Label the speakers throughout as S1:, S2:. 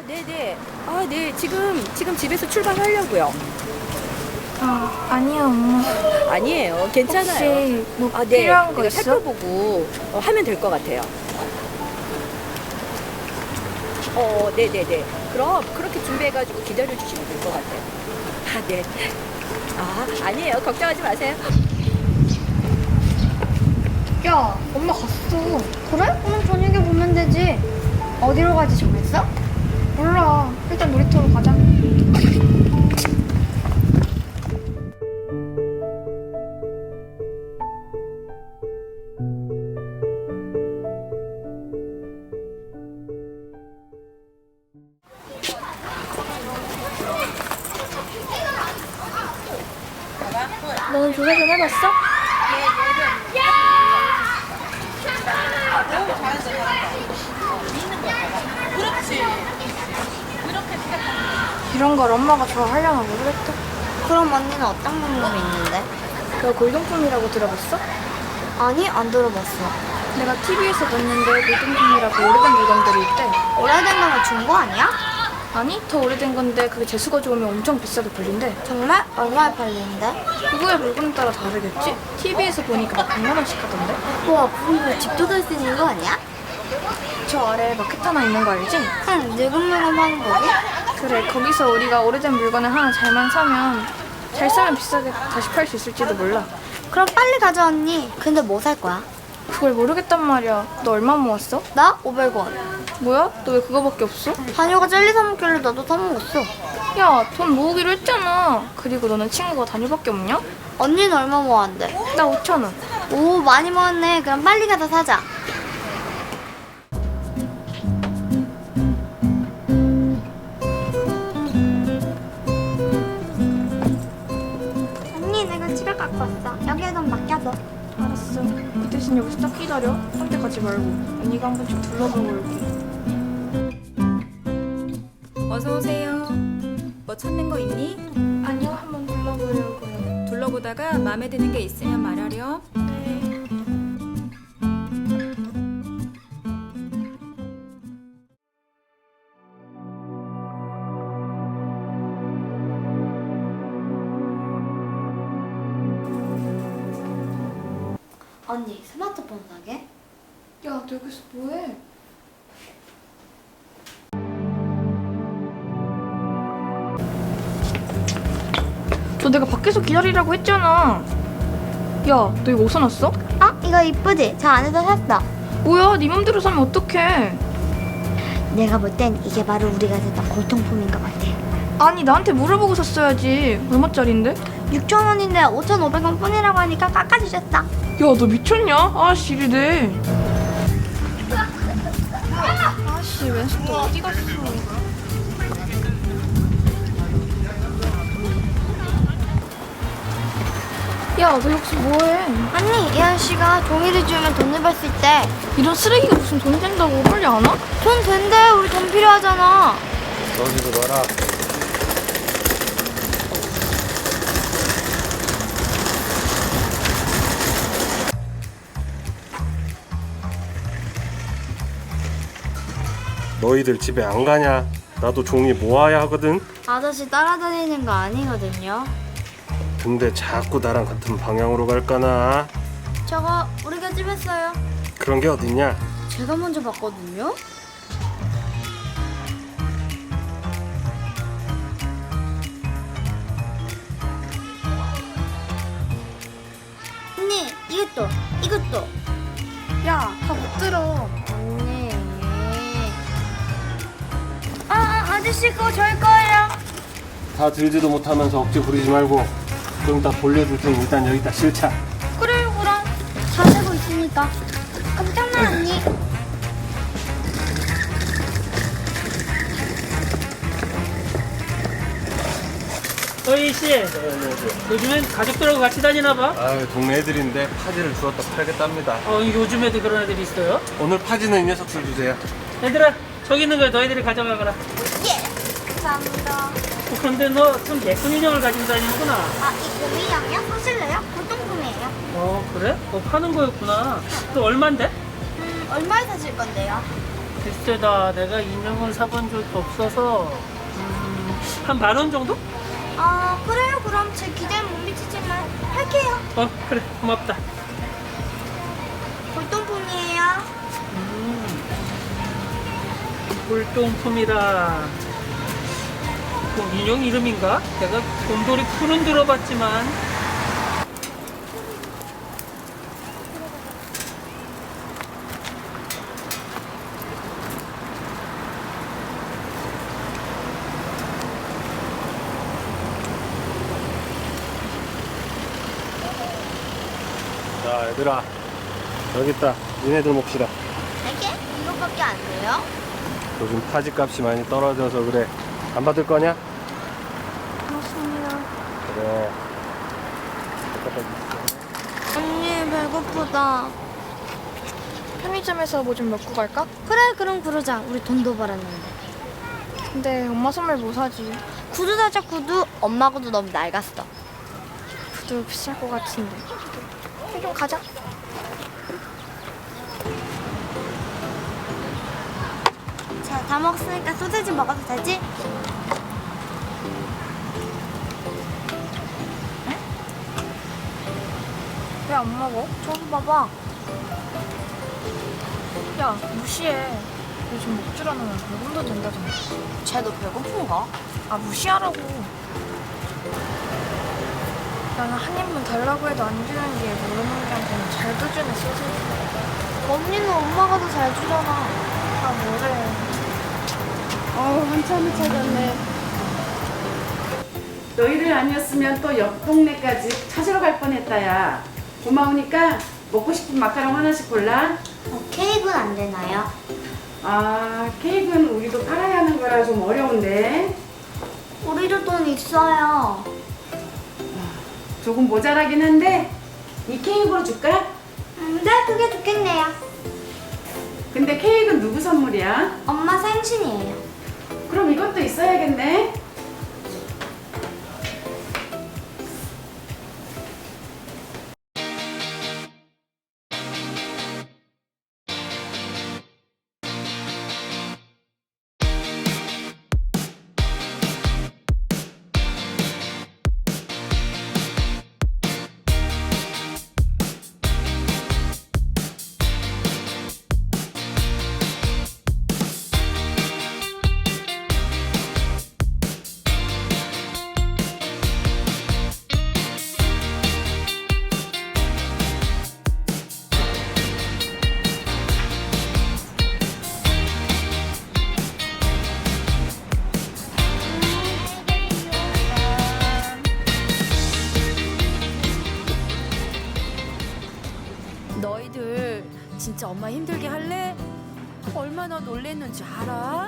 S1: 네네. 네. 지금 집에서 출발하려고요.
S2: 아니요, 엄마.
S1: 아니에요. 괜찮아요.
S2: 혹시 뭐
S1: 네.
S2: 필요한 거
S1: 내가
S2: 있어?
S1: 살펴보고 하면 될 것 같아요. 네네네. 그럼 그렇게 준비해가지고 기다려주시면 될 것 같아요. 네. 아니에요. 걱정하지 마세요.
S3: 야, 엄마 갔어. 그래? 오늘 저녁에 보면 되지. 어디로 가지 정했어? 몰라. 일단 놀이터로 가자.
S2: 너는 조사 좀 해봤어? 이런 걸 엄마가 좋아하려나 모르겠다.
S3: 그럼 언니는 어떤 방법이 있는데?
S2: 너 골동품이라고 들어봤어?
S3: 아니, 안 들어봤어.
S2: 내가 TV에서 봤는데 골동품이라고 오래된 물건들이 있대.
S3: 오래된 거면 중고 아니야?
S2: 아니, 더 오래된 건데 그게 재수가 좋으면 엄청 비싸게 팔린대.
S3: 정말? 얼마에 팔리는데?
S2: 그거의 물건에 따라 다르겠지? TV에서 보니까 막 100만 원씩 하던데?
S3: 우와, 그거 집도 살 수 있는 거 아니야?
S2: 저 아래에 마켓 하나 있는 거 알지?
S3: 응, 늙은 물건 파는 거고?
S2: 그래, 거기서 우리가 오래된 물건을 하나 잘만 사면 잘 사면 비싸게 다시 팔 수 있을지도 몰라.
S3: 그럼 빨리 가자, 언니. 근데 뭐 살 거야?
S2: 그걸 모르겠단 말이야. 너 얼마 모았어?
S3: 나 500원.
S2: 뭐야? 너 왜 그거밖에 없어?
S3: 다녀가 젤리 사 먹길래 나도 사 먹었어.
S2: 야, 돈 모으기로 했잖아. 그리고 너는 친구가 단위밖에 없냐?
S3: 언니는 얼마 모았는데?
S2: 나 5천 원.
S3: 오, 많이 모았네. 그럼 빨리 가서 사자. 언니, 내가 지갑 갖고 왔어. 여기에 돈 맡겨둬.
S2: 알았어. 그 대신 여기서 딱 기다려. 함께 가지 말고. 언니가 한 번씩 둘러보고 올게.
S1: 어서 오세요. 뭐 찾는 거 있니?
S2: 아니요, 한번 둘러보려고요.
S1: 둘러보다가 마음에 드는 게 있으면 말하렴.
S2: 네.
S3: 언니, 스마트폰 사게?
S2: 야, 너 여기서 뭐해? 저 내가 밖에서 기다리라고 했잖아. 야, 너 이거 어디서 났어?
S3: 이거 이쁘지? 저 안에서 샀어.
S2: 뭐야, 네 맘대로 사면 어떡해.
S3: 내가 볼 땐 이게 바로 우리가 샀던 골동품인 것 같아.
S2: 아니, 나한테 물어보고 샀어야지. 얼마짜린데?
S3: 6,000원인데 5,500원 뿐이라고 하니까 깎아주셨어.
S2: 야, 너 미쳤냐? 아씨, 이리네. 아씨, 왼손 또 어디 갔어? 야, 너 여기서 뭐해?
S3: 언니, 이 아저씨가 종이를 주면 돈을 벌 수 있대.
S2: 이런 쓰레기가 무슨 돈 된다고 빨리 안 와?
S3: 돈 된대. 우리 돈 필요하잖아.
S4: 너희도 봐라. 너희들 집에 안 가냐? 나도 종이 모아야 하거든.
S3: 아저씨 따라다니는 거 아니거든요.
S4: 근데 자꾸 나랑 같은 방향으로 갈까나?
S3: 저거 우리가 집했어요.
S4: 그런 게 어딨냐?
S3: 제가 먼저 봤거든요. 언니, 이것도.
S2: 야, 다 못 들어.
S3: 언니. 아저씨 그거 저희 거예요.
S4: 다 들지도 못하면서 억지 부리지 말고 그럼 다 돌려줄 테니 일단 여기다 실차.
S3: 그래요, 그럼. 다 되고 있으니까. 깜짝나, 언니.
S5: 서희 씨, 요즘엔 가족들하고 같이 다니나 봐?
S4: 아유, 동네 애들인데 파지를 주었다 팔겠답니다.
S5: 요즘에도 그런 애들이 있어요?
S4: 오늘 파지는 이 녀석들 주세요.
S5: 얘들아, 저기 있는 거 너희들이 가져가거라.
S3: 감사합니다.
S5: 그런데 너 참 예쁜 인형을 가지고 다니는구나.
S3: 이 곰이랑요? 사실래요? 골동품이에요.
S5: 그래? 파는 거였구나. 또 얼만데?
S3: 얼마에 사실 건데요?
S5: 글쎄다, 내가 인형을 사본 적이 없어서 한 10,000원 정도?
S3: 아, 그래요. 그럼 제 기대에 못 미치지만 할게요.
S5: 그래, 고맙다.
S3: 골동품이에요.
S5: 골동품이라. 뭐 인형 이름인가? 내가 곰돌이 푸는 들어봤지만.
S4: 자, 얘들아. 여기 있다. 니네들 몫이다.
S3: 이게? 이거밖에 안 돼요?
S4: 요즘 타지 값이 많이 떨어져서 그래. 안 받을 거냐?
S3: 고맙습니다.
S4: 그래.
S3: 언니, 배고프다.
S2: 편의점에서 뭐 좀 먹고 갈까?
S3: 그래, 그럼 그러자. 우리 돈도 벌었는데.
S2: 근데 엄마 선물 뭐 사지?
S3: 구두 사자, 구두. 엄마 구두 너무 낡았어.
S2: 구두 비쌀 것 같은데. 좀 가자.
S3: 자, 다 먹었으니까 소세지 먹어도 되지?
S2: 왜 안 먹어?
S3: 저기 봐봐.
S2: 야, 무시해. 요즘 먹줄 않으면 배금도 된다잖아.
S3: 쟤도 배고픈가?
S2: 아, 무시하라고. 나는 한 입만 달라고 해도 안 주는 게 모르는 게 아니라 잘도 주네, 소세지.
S3: 언니는 엄마가 더 잘 주잖아.
S2: 아, 뭐래.
S6: 한참을 찾았네. 너희들 아니었으면 또 옆 동네까지 찾으러 갈 뻔했다야. 고마우니까 먹고 싶은 마카롱 하나씩 골라.
S3: 케이크는 안 되나요?
S6: 아, 케이크는 우리도 팔아야 하는 거라 좀 어려운데.
S3: 우리도 돈 있어요.
S6: 조금 모자라긴 한데 이 케이크로 줄까?
S3: 네, 그게 좋겠네요.
S6: 근데 케이크는 누구 선물이야?
S3: 엄마 생신이에요.
S6: 그럼 이것도 있어야겠네.
S1: 너희들 진짜 엄마 힘들게 할래? 얼마나 놀랬는지 알아?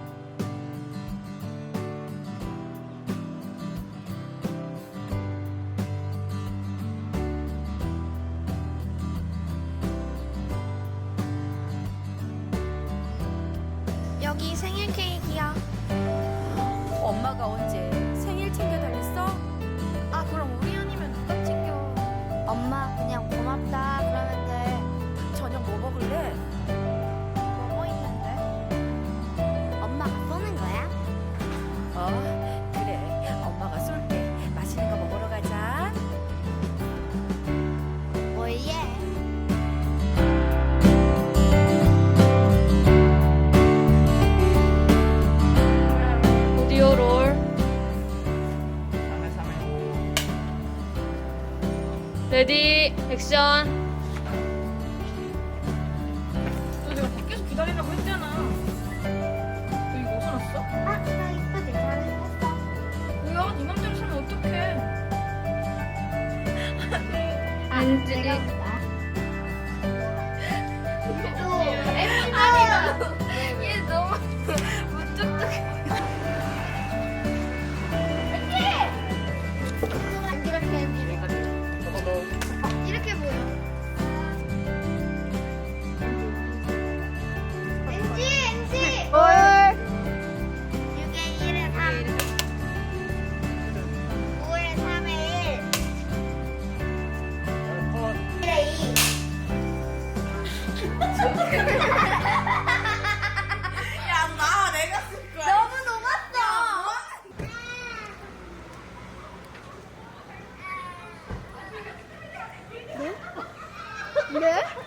S2: 여기 생일 케이크야.
S1: 엄마가 언제 생일 챙겨달랬어?
S2: 아, 그럼 우리 아니면 누가 챙겨?
S3: 엄마, 그냥 고맙다. 그러면 돼.
S1: 저녁 뭐 먹을래?
S3: 뭐 있는데? 엄마가 쏘는 거야?
S1: 그래. 엄마가 쏠게. 맛있는 거 먹으러 가자.
S3: 뭐예?
S2: 오디오 롤. 레디, 액션. 너 내가 밖에서 기다리라고 했잖아. 너 이거 어디서 났어?
S3: 아, 나 이거 내 잘했어.
S2: 뭐야, 네 맘대로 살면 어떡해. 안지.
S3: 얘 너무 무뚝뚝해. 이렇게 보여. 그래?